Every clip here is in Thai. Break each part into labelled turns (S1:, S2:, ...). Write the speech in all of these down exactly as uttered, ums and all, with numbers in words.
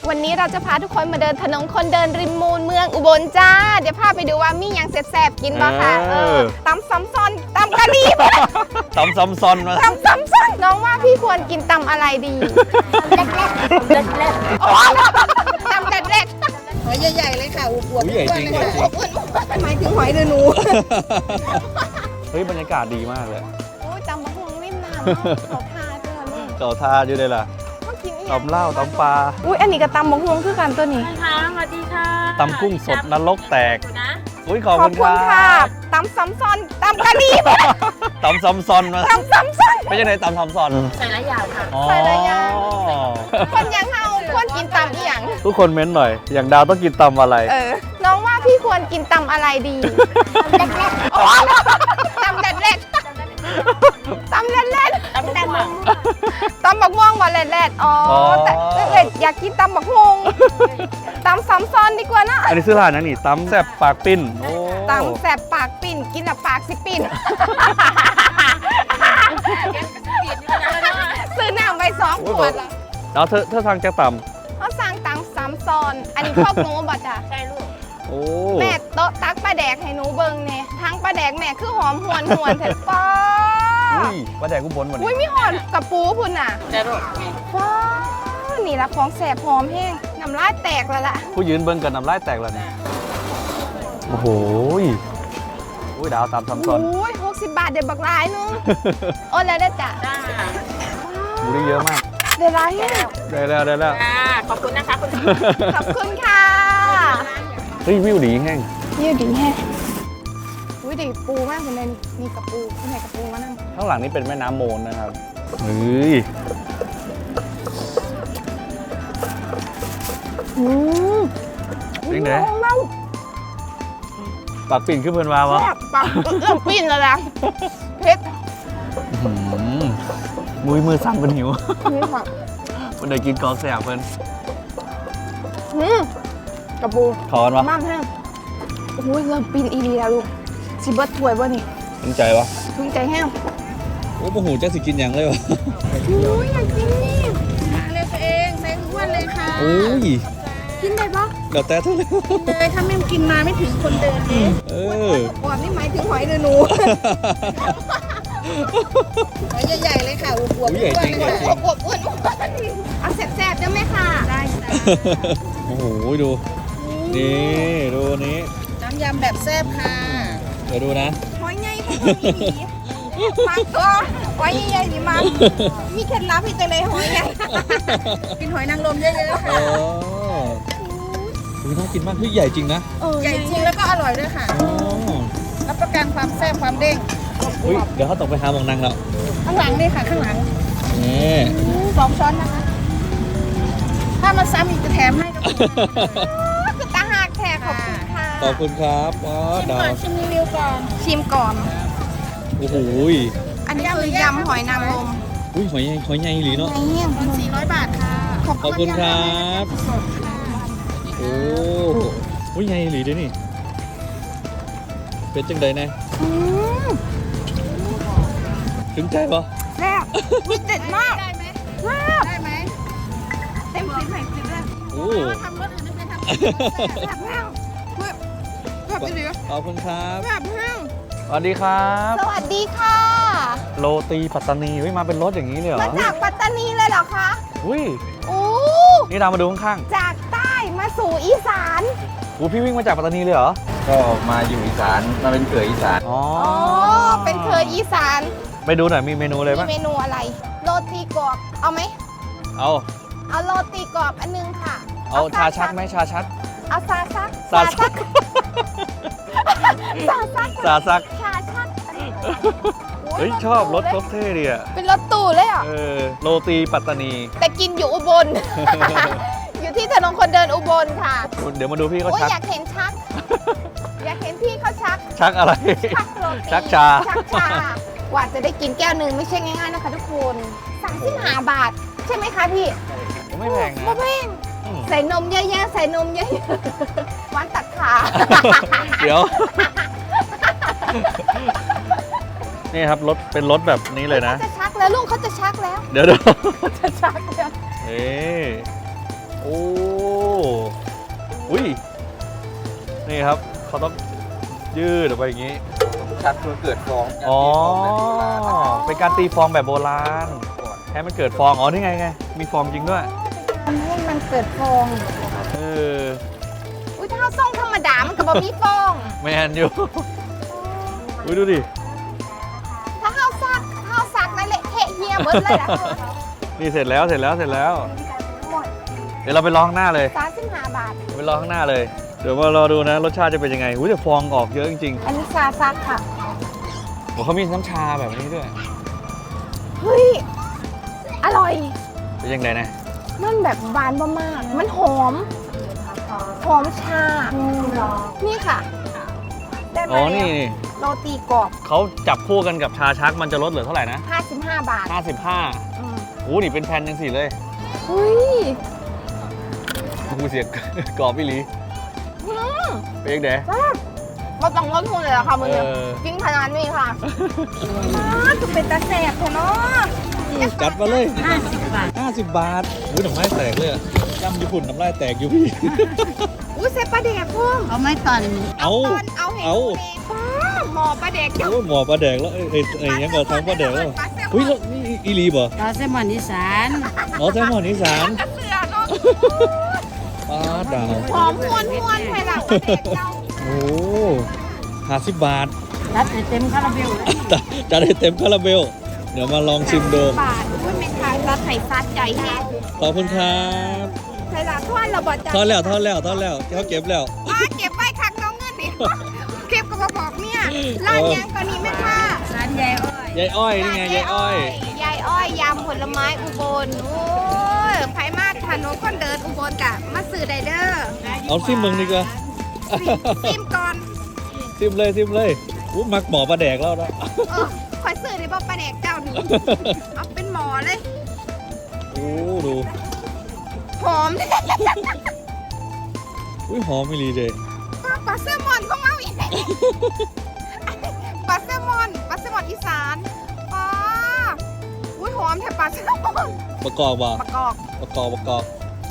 S1: วันนี้เราจะพาทุกคนมาเดินถนนคนเดินริมมูลเมืองอุบลจ้าเดี๋ยวพาไปดูว่ามีอย่างแซ่บๆกินบ้างค่ะเออตำซ้ำซ้อนตำกะหรี่
S2: ตำซ้ำซ้อนมา
S1: ตำซ้ำซ้อนน้องว่าพี่ควรกินตำอะไรดีเล็กๆเล็กๆเล็กๆตำเล็กเล็ก
S3: หอยใหญ่ๆเลยค่ะอวบๆ
S2: ใหญ่จริงใหญ่จริง
S3: หมายถึงหอยเดือนู
S2: เฮ้ยบรรยากาศดีมากเลย
S1: โอ้ยตำมะฮวงริมน้ำเขาทาเจอลูก
S2: เก่าทาอยู่เลยล่ะตำเหล้าตำปลา
S1: อุ้ยอันนี้กับตำมะฮวงคือกันตัวนี้
S4: ค่ะสวัสดีค่ะ
S2: ตำกุ้งสดนรกแตกอุ้ยขอบ
S1: ขอบ
S2: คุณ
S1: คุณ
S2: ค
S1: ค่ะ
S2: รับ
S1: ตำซ้ำซ้อนตำกะหรี่
S2: ตำซ้ำซ้อนมา
S1: ตำซ้ำซ้อน
S2: ไม่ใช่ไหนตำซ้ำซ้อน
S4: ใส่หลายอย่างค่ะ
S1: ใส่หลายอย่าง คนยังเฮาควรกินตำอีหยัง
S2: ทุกคนเม้นหน่อย อย่างดาวต้องกินตำอะไร
S1: เออน้องว่าพี่ควรกินตำอะไรดีตำเล็ดเล็ดตำเล็ดเล็ด
S4: ตำแตงโม
S1: ตำบักม่วงบ่เล็ดเล็ดอ๋อแต่เล็ดอยากกินตำบักฮวงตำซ้ำซ้อนดีกว่านะ
S2: อันนี้ซื้อร้านนะนี่ตำแซ่บปากปิ้นโอ้
S1: ตำแสบปากปิ่นกินแล้วปากสิปิ่นซื้อน้ำไปสองขวดแล้ว
S2: แล้วเธอเธอทางจะต
S1: เขาสั่งตำซ้ำซ้อนอันนี้พวกหนูบ่จ้ะ
S4: ใช่ลูก
S2: ำโอ้
S1: แม่โต๊ะตักปลาแดกให้หนูเบิ่งเนี่ยทั้งปลาแดกแม่คือหอมหวนหวนเถอะป้า
S2: อุ้ยปลาแดกกุ้งบนวัน
S1: อุ้ย
S2: นี้
S1: มีหอนกับปูพุ่นน่ะ
S4: ใช่ลูก
S1: ว้านี่ละของแสบหอมแห้งน้ำลายแตกแล้วล่ะ
S2: ผู้ยืนเบิ้งกันน้ำลายแตกแล้วเนี่ยโอ้โหอุ้ยดาวตำซ้ำซ้อน
S1: อุ้ยหกสิบบาทเด็ดบักหลายนึงโอ้แล้วได้จ้ะ
S4: จ้า
S2: บูได้เยอะมาก
S1: เดี๋ยวร้ายแห้ง
S2: ได้แล้วได้แล้ว
S4: จ้าขอบคุณนะคะคุณ
S1: ขอบคุณค่ะ
S2: เฮ้ยวิวดีแห้ง
S1: ยืดดีแฮะอุ้ยดีปูมากคุณเนนมีกระปูคุณไหนกระปูมานั่ง
S2: ข้างหลังนี่เป็นแม่น้ำโมนนะครับเฮ้ย
S1: อืม
S2: จริงเหรอ
S1: เล่า
S2: ปากปิ่นขึ้นเพื่อนมาวะ
S1: แซ่บปากเอื้อมปิ้นแล้วล่ะเพชร
S2: อื้อหือมือมือสั่นเป็นหิว
S1: นี่ค่ะ
S2: มันได้กินกอแสบเพื่อน
S1: อืมกระปู
S2: ขอนวะ
S1: มากแห้งโอ้ยเริ่มปิ้นอีดีแล้วลูกสิเบิร์ตถวยบ่นี่
S2: สนใจวะ
S1: ทุ่งใจแห้ง
S2: โอ้โหจะสิกินอย่างเลยวะ
S1: อุ้ยอยากกินนี่
S3: มาเลยตัวเองใส่ทุกวันเลยค่ะ
S2: โอ้ย
S1: กินได้ปะ
S2: เดี๋ยวแต่เท่าไหร่
S3: เลยถ้าไม่กินมาไม่ถึงคนเดินเอง
S2: เออ
S1: อวบนี่หมายถึงหอยเดือนู
S3: หอยใหญ่ๆเลยค่ะอวบๆ
S2: ใหญ่จริงใหญ่จริ
S1: อง วบอ้วนเอาแซ่บๆได้ไหมค่ะได้
S2: โอ้โหดูนี่ดูนี้
S3: น้ำยำแบบแซ่บค่ะ
S2: เดี๋ยวดูนะ
S1: หอยใหญ่หอยดีมากก็หอยใหญ่ๆดีมากมีเคล็ดลับให้จังเลยหอยใหญ่
S3: กินหอยนางรมเยอะๆ
S2: โอ้
S3: ค่ะ
S2: ดูน่ากินมากเฮ้ยใหญ่จริงนะ
S3: ใหญ่จริงแล้วก็อร่อยด้วยค่ะ
S2: โอ้
S3: รับประกันความแซ่บความเด้ง
S2: อุ้ยเดี๋ยวเขาตกไปหาหมองนางแล้ว
S3: ข้างหลังนี่ค่ะข้างหลัง
S2: นี่
S3: สองช้อนนะคะ ถ้ามาซ้ำอีกจะแถมให้กับคุณ
S1: คือตาหักแท้ขอบคุณค่ะ
S2: ขอบคุณครับอ๋อ
S3: ชิม
S2: ดา
S3: ก่อ
S2: วน
S3: ชิมรีวิวก่อน
S1: ชิมก่อน
S2: โอ้โห
S1: อันนี้คือยำหอยนางรม
S2: อุ้ยหอยใหญ่หอยใหญ่หลีเนาะ
S1: ไอ้เหี้ย
S3: ตอนสี่ร้อยบาทค่ะ
S2: ขอบคุณครับ
S3: สดค่ะ
S2: โอ้โหใหญ่หลีเด้นี่เป็นจังใดแน่
S1: อืม
S2: ถึงใจปะ
S1: แซ่บมีเด็ดมาก
S3: ได้ไหม
S1: แซ่บ
S3: ได้ไหม
S1: เต็มสิบแห่งสิบแล้ว
S2: โอ้
S3: ทำรสอื่นไม่เคยทำ
S1: แซ่บแห้งเฮ้ยแซ่บดี
S2: ขอบคุณครับ
S1: แซ่บแห้ง
S2: สวัสดีครับ
S1: สวัสดีค่ะ
S2: โรตีปัตตานีเฮ้ยมาเป็นรถอย่างนี้เลยเหรอ
S1: มาจากปัตตานีเลยเหรอคะ
S2: อุ้ย
S1: โอ้
S2: นี่ดาวมาดูข้าง
S1: จากใต้มาสู่อีสาน
S2: ๆอู้พี่วิ่งมาจากปัตตานีเลยเหรอ
S5: ก็มาอยู่อีสานมาเป็นเขยอีสาน
S2: อ๋อ
S1: อ๋อ เป็นเคยอีสาน
S2: ไปดูหน่อยมีเมนูอะไร
S1: มี
S2: บ้าง
S1: เมนูอะไร โรตีกรอบ เอาไหม
S2: เอา
S1: เอาโรตีกรอบอันนึงค่ะ
S2: เอาชาชักไหมชาชัก
S1: เอาซาซัก
S2: ซาซัก
S1: ซาซัก
S2: ซาซัก
S1: ชาชักอันนี้โ
S2: เฮ้ยชอบรถรถเท่ดีอ่ะ
S1: เป็นรถตู้เลยอ่ะ
S2: เออโรตีปัตตานี
S1: แต่กินอยู่อุบล อยู่ที่ถนนคนเดินอุบลค่ะ
S2: เดี๋ยวมาดูพี่เขา
S1: โอ้ย
S2: ชัก
S1: อยากเห็นชัก อยากเห็นพี่เขาชัก
S2: ชักอะไร
S1: ชักโรตี
S2: ชักชา
S1: ชักชากว่าจะได้กินแก้วหนึ่งไม่ใช่ง่ายๆนะคะทุกคนสามสิบห้าบาท ใช่ไหมคะพี่
S2: ผมไม่แพง
S1: ไม่
S2: นะ
S1: แพง
S2: อืม
S1: ใส่นมเยอะๆใส่นมเยอะๆหวานตัดขา
S2: เดี๋ยว นี่ครับรถเป็นรถแบบนี้เลยนะ
S1: เขาจะชักแล้วลุงเขาจะชักแล้ว
S2: เดี๋ยวเดี๋ยว
S1: จะชักแล้ว
S2: เอ้โอ้อุ้ยนี่ครับเขาต้องยืดออกไปอย่างนี้
S5: ชักเพื่อเกิดฟอง
S2: อ๋อ
S5: การตีฟองแบบโบราณ
S2: เป็นการตีฟองแบบโบราณ
S5: ก่อน
S2: ให้มันเกิดฟองอ๋อนี่ไงไงมีฟองจริงด้วย
S3: ทำให้มันเกิดฟอง
S2: เออ
S1: อุ้ยถ้าเอาส่งธรรมดามันก็บ่มีฟอง
S2: แมนอยู่อุ้ยดูดิ
S1: ถ้าเอาซักถ้าเอาซักนั่นแหละเทะเฮียเบิดเลยล่ะ
S2: นี่เสร็จแล้วเสร็จแล้วเสร็จแล้ว เดี๋ยวเราไปลองข้างหน้าเลย
S1: สามสิบห้าบาท
S2: ไปลองข้างหน้าเลย เดี๋ยวมารอดูนะรสชาติจะเป็นยังไงอุ้ยแต่ฟองออกเยอะจริง
S1: อันนี้ชาซักค่ะ
S2: ๆโอ้เขามีน้ำชาแบบนี้ด้วย
S1: เฮ้ย อร่อย
S2: เป็นยังไงนะ
S1: มันแบบหวานมากๆมันหอม หอมชา นี่ค่ะ ได้มา
S2: อ๋อ
S1: แล้
S2: นี่
S1: ว
S2: นี่
S1: โรตีกรอบ
S2: เขาจับคู่กันกับชาชักมันจะลดเหลือเท่าไหร่นะ
S1: ห้าสิบห้าบาท
S2: ห้าสิบห้า
S1: อืม
S2: โอ้นี่เป็นแผ่นยังสี่เลย
S1: เฮ้ย
S2: กูเสียง กรอบพี่ลี
S1: อืม
S2: เป็นยังไง
S1: บ่ต้องลดทุนเลยเหรอค่ะมึงเนี่ย
S2: เออ
S1: กินขนาดนี้ค่ะอ้าจะเป็นตาแสบเถอะเนาะ
S2: จัดมาเลย
S3: ห้าสิบบาท
S2: ห้าสิบบาทอุ้ยน้ำลายแตกเลยอะย่ำญี่ปุ่นน้ำลายแตกอยู่พี่
S1: อุ้ยเซฟปลาแดกพุ่ม
S3: เอาไม้ตอน
S2: เอา
S1: ตอนเอาเห็น
S2: เอา
S1: ป้าหมอปลาแดกเจ้า
S2: โอ้ยหมอปลาแดกแล้วเอ้ยเอ้ยเอ้ยยังก็ทำปลาแดกแล้วอุ้ยแล้วนี่อีลีบ่
S3: ปลาแซลมอนอีสาน
S2: อ๋อแซลมอนอีสาน
S1: เสือเนาะ
S2: ปลาดาว
S1: หอมมวนมวนไทยหลังปลาแดกเจ้า
S2: โอ้ห้าสิบบาท
S3: รัดให้เต็มคาราเบลเลย
S2: จะได้เต็มคาราเบล เดี๋ยวมาลองชิมดู
S1: บาทอุ้ยแม่ค้าซัดไข่ซัดใหญ่แฮะ
S2: ขอบคุณครับ
S1: ไทยหลังทอดเราบอดจ้า
S2: ทอดแล้วทอดแล้วทอดแล้วเขาเก็บแล้ว
S1: อ่าเก็บไว้คักน้องเงินนี่ เก็บกับมาบอกเนี่ยร้านยังกว่านี้แม่ค่ะ
S3: ร้านใหญ่อ้อย
S2: ยายอ้อยนี่ไงยายอ้อย
S1: ยายอ้อยยำผลไม้อุบลโอ้ยไผมาถนนคนเดินอุบลกะมาซื้อไดเดอร์
S2: เอาซิมเมืองดีกว่า
S1: ซิมก่อน
S2: ซิมเลยซิมเลยอู้มักหมอปลาแดกแล้วนะ
S1: เออคอยซื้อในบ่ปลาแดกเจ้านี่เอาเป็นหมอเลย
S2: โอ้ดู
S1: หอม
S2: อุ้ยหอมไม่รีเลย
S1: ปลาแซลมอนของเราอีกปลาแซลมอนปลาแซลมอนอีสานอ๋ออุ้ยหอมแถบปลาแซลมอน
S2: ประกอบบ่
S1: ประกอบ
S2: ประกอบประกอบ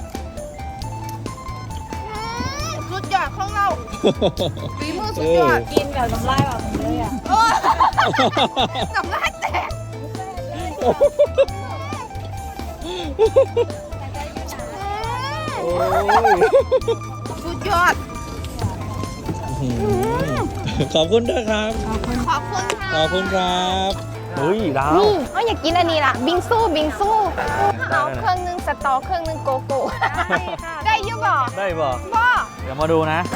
S1: อืมสุดยอดของเราฝีมือสุดยอด
S3: กินกับน้ำลายแบบเลยอ่ะ
S1: เออน้ำลายแตก
S2: โอ้ย
S1: สุดยอด
S2: ขอบคุณด้วยครับ
S1: ขอบคุณค่ะ
S2: ขอบคุณครับเฮ้ยดาว
S1: นี่เขาอยากกินอันนี้ล่ะ บิงซูบิงซู
S2: ได้
S1: เอา
S2: ได้
S1: เครื่องนึงสตอเครื่องนึงโกโก้ได้อยุบ่
S2: ได้บ่
S1: บ่
S2: เดี๋ยวมาดูนะ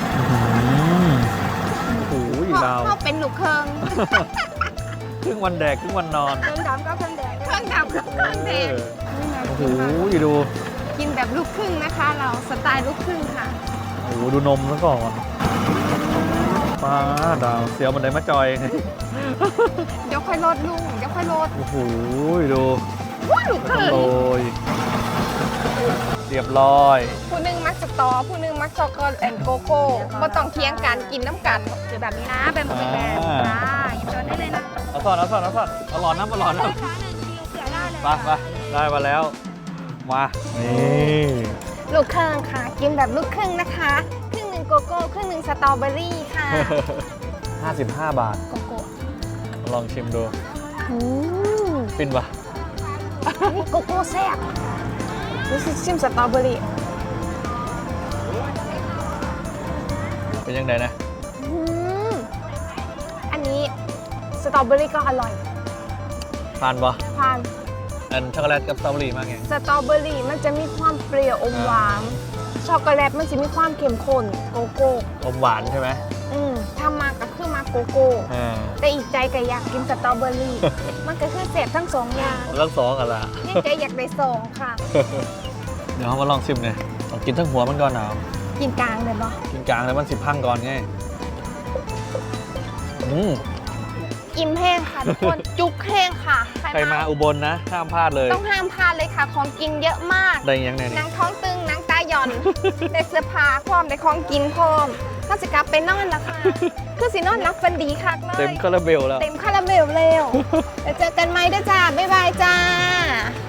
S2: โอ้ยดาว
S1: เขาเป็นลูกเครื่อง
S2: ครึ่งวันแดกครึ่งวันนอน
S3: เครื่องดำก็เครื่องแดง
S1: เครื่องดำกับเครื่องแดง
S2: โอ้โหดู
S1: กินแบบลูกครึ่งนะคะ เราสไตล์ลูกครึ่งค่ะ
S2: โอ้โหดูนมซะก่อนป้าดาวเสียวมันได้มาจอย
S1: เดี๋ยวค่อยลดลุงเดี๋ยวค่อยลด
S2: โอ้โหดู
S1: ว้าลูกครึ่ง
S2: โรยเรียบร้อย
S1: ผู้หนึงมักสตอผู้หนึงมักช็อกโกแลตแอนด์โกโก้บ่ต้องเทียงกันกินน้ำกัน
S3: คือแบบนี้นะเป็นแบบแบบจ้าหยิบตัวได้เลยนะ
S2: เอาสอนเอาสอนเอาสอนเอาหลอดน้ำเอาหลอดน้ำ
S3: ช้าหนึ่งคิวเสือได้เลย
S2: ไปไปได้มาแล้ว มานี่
S1: ลูกครึ่งค่ะ กินแบบลูกครึ่งนะคะครึ่งหนึ่งโกโก้ครึ่งหนึ่งสตรอเบอรี่ค่ะ
S2: ห้าสิบห้าบาท
S1: โกโก้
S2: ลองชิมดู
S1: อืม
S2: ฟินปะ
S1: นี่โกโก้แซ่บรู้สึกชิมสตรอเบอรี่
S2: เป็นยังไงนะ
S1: อืมอันนี้สตรอเบอรี่ก็อร่อย
S2: ทานปะ
S1: ทาน
S2: อันช็อกโกแลตกับสตรอเบอรี่มากไง
S1: สตรอเบอรี่มันจะมีความเปรี้ยวอมหวานช็อกโกแลตมันจะมีความเข้มข้นโกโก้
S2: อมหวานใช่ไหม
S1: อืมถ้ามาก็คือมาโกโก้
S2: อ่า
S1: แต่อีกใจก็อยากกินสตรอเบอรี่ มันก็คือเสพทั้งสองอย่าง
S2: เรื่องสองกันละ
S1: นี่ใจอยากได้สองค่ะ
S2: เดี๋ยวเรามาลองชิมหน่อยลองกินทั้งหัวมันก่อนหนาว
S1: กินกลางเลยปะ
S2: กินกลางแล้วมันสิบพังก่อนไงอืม
S1: อิ่มแห้งค่ะทุกคน จุกแห้งค่ะ
S2: ใครมาอุบลนะห้ามพลาดเลย
S1: ต้องห้ามพลาดเลยค่ะ ของกินเยอะมาก
S2: ได้ยังไง
S1: หนั
S2: เนี่ย
S1: งท้องตึงหนังตาหย่อน ได้เสื้อผ้าพร้อมได้ของกินพร้อมถ้าจะกลับไปนอนแล้วค่ะ คือสินอนรับฟันดีคักเลย
S2: เต็มคาราเบลแล้ว
S1: เต็มคาราเมลเร็วเดี๋ยวเจอกันไหมเด้อจ้า บ๊ายบายจ้า